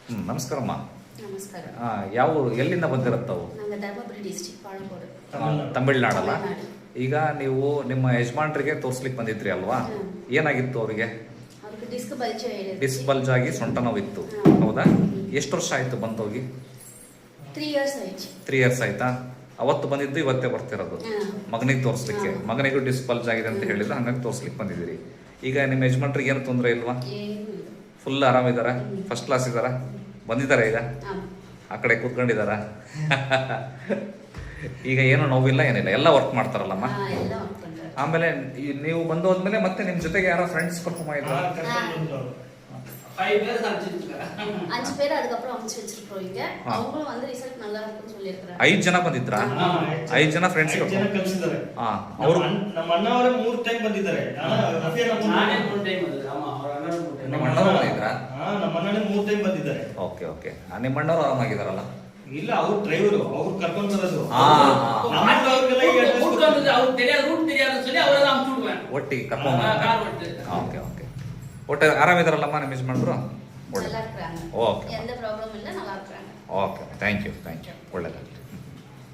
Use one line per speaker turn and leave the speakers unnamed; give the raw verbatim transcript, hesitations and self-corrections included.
ಹ್ಮ್ ನಮಸ್ಕಾರಮ್ಮ.
ನಮಸ್ಕಾರ.
ಆ, ಯಾವ ಊರು, ಎಲ್ಲಿಂದ ಬಂದಿರುತ್ತವು?
ನಂಗೆ ಧರ್ಮಪುರಿ ಡಿಸ್ಟ್ರಿಕ್ಟ್ ಪಾಳಗೋಡು.
ತಮಿಳ್ನಾಡಲ್ಲ.
ತಮಿಳ್ನಾಡು.
ಈಗ ನೀವು ನಿಮ್ಮ ಯಜಮಾನ್ರಿಗೆ ತೋರ್ಸ್ಲಿಕ್ಕೆ ಬಂದಿದ್ರಿ ಅಲ್ವಾ?
ಹ್ಮ್.
ಏನಾಗಿತ್ತು ಅವರಿಗೆ?
ಅವ್ರಿಗೆ ಡಿಸ್ಕ್ ಬಲ್ಜ್ ಹೇಳಿದ್ರು.
ಡಿಸ್ ಬಲ್ಜ್ ಆಗಿ ಸೊಂಟ ನೋವಿತ್ತು.
ಹ್ಮ್.
ಹೌದಾ? ಎಷ್ಟು ವರ್ಷ ಆಯ್ತು ಬಂದೋಗಿ?
ತ್ರೀ ಇಯರ್ಸ್ ಆಯ್ತು.
ತ್ರೀ ಇಯರ್ಸ್ ಆಯ್ತಾ? ಅವತ್ತು ಬಂದಿದ್ದು ಇವತ್ತೇ ಬರ್ತಿರೋದು
ಹ್ಮ್.
ಮಗನಿಗೆ ತೋರಿಸ್ಲಿಕ್ಕೆ.
ಹ್ಮ್.
ಮಗನಿಗೂ ಡಿಸ್ ಬಲ್ಜ್ ಆಗಿದೆ ಅಂತ ಹೇಳಿದ್ರೆ ಹಂಗಾಗಿ ತೋರ್ಸ್ಲಿಕ್ಕೆ ಬಂದಿದ್ದೀರಿ. ಈಗ ನಿಮ್ಮ ಯಜಮಾನ್ರಿಗೆ ಏನು ತೊಂದರೆ ಇಲ್ವಾ?
ಏನು ಇಲ್ಲ.
ಫುಲ್ ಆರಾಮಿದಾರ?
ಹ್ಮ್.
ಫಸ್ಟ್ ಕ್ಲಾಸ್ ಇದಾರ? ಬಂದಿದ್ದಾರೆ ಈಗ
ಹಾ.
ಆ ಕಡೆ ಕೂತ್ಕೊಂಡಿದಾರ? ಈಗ ಏನು ನೋವಿಲ್ಲ ಏನಿಲ್ಲ, ಎಲ್ಲ ವರ್ಕ್ ಮಾಡ್ತಾರಲ್ಲಮ್ಮ.
ಹಾ, ಎಲ್ಲ ಮಾಡ್ಕೊಂಡ್ರೆ.
ಆಮೇಲೆ ಈ ನೀವು ಬಂದು ಹೋದ್ಮೇಲೆ ಮತ್ತೆ ನಿಮ್ ಜೊತೆಗೆ ಯಾರೋ ಫ್ರೆಂಡ್ಸ್ ಕರ್ಕೊಂಡ್ ಇದ್ರು?
அஞ்சு பேர் அதுக்கப்புறம் அமைச்சு வச்சிருக்கோம் இங்க.
ஆ.
அவங்களும் வந்து ரிசல்ட் நல்லா இருக்குன்னு சொல்லியிருக்காங்க.
ಐದ್ ಜನ ಬಂದಿದ್ರಾ?
ಹಾ,
ಐದ್ ಜನ ಫ್ರೆಂಡ್ಸ್
ಐದ್ ಜನ ಕಳ್ಸಿದ್ದಾರೆ.
ಹಾ,
ಅವ್ರು
ಅವರು
ನಮ್ಮ ಅಣ್ಣ ಅವರೇ ಮೂರ್ ಟೈಮ್ ಬಂದಿದ್ದಾರೆ. ನಾನು ರಫಿಯಾ ನಮ್ಮ
ನಾನೇ ಮೂರು ಟೈಮ್ ಬಂದಿದ್ದೆ. ಅಮ್ಮ ಅವ್ರ ಅಣ್ಣ ಮೂರು ಟೈಮ್.
ನಿಮ್ಮ ಅಣ್ಣವ್ರು ಬಂದಿದ್ರಾ?
ಹಾ, ನಮ್ಮ ಅಣ್ಣನೇ ಮೂರ್ ಟೈಮ್ ಬಂದಿದ್ದಾರೆ.
Okay okay. ನಿಮ್ಮ ಅಣ್ಣವ್ರು ಆರಾಮಾಗಿದಾರಲ್ಲ?
ಇಲ್ಲ, ಅವ್ರು ಡ್ರೈವರು, ಅವ್ರು ಕರ್ಕೊಂಡ್ ಬರೋದು.
ಆ, ಆ, ಆ.
ನಮ್ಮ ಅವ್ರಿಗೆಲ್ಲ ಈಗ address
ರೂಟ್ வந்து ಅವ್ರು தெரியாத ರೂಟ್ தெரியாதுன்னு சொல்லி ಅವರೆಲ್ಲ ಅಮ್ಚು ಬಿಡುவேன்.
ಒಟ್ಟಿಗೆ ಕರ್ಕೊಂಡ್
ಆ, ಕಾರ್ ಒಟ್ಟು.
Okay okay. ಒಟ್ಟು ಆರಾಮಿದಾರಲ್ಲಮ್ಮ ನಿಮ್ಮ ಯಜಮಾನ್ರು?
நல்லா இருக்கிறாங்க.
ಓಕೆ
எந்த ப்ராப்ளமும் இல்ல, நல்லா இருக்கிறாங்க.
Okay. Thank you thank you. ಒಳ್ಳೆದಾಗಲಿ.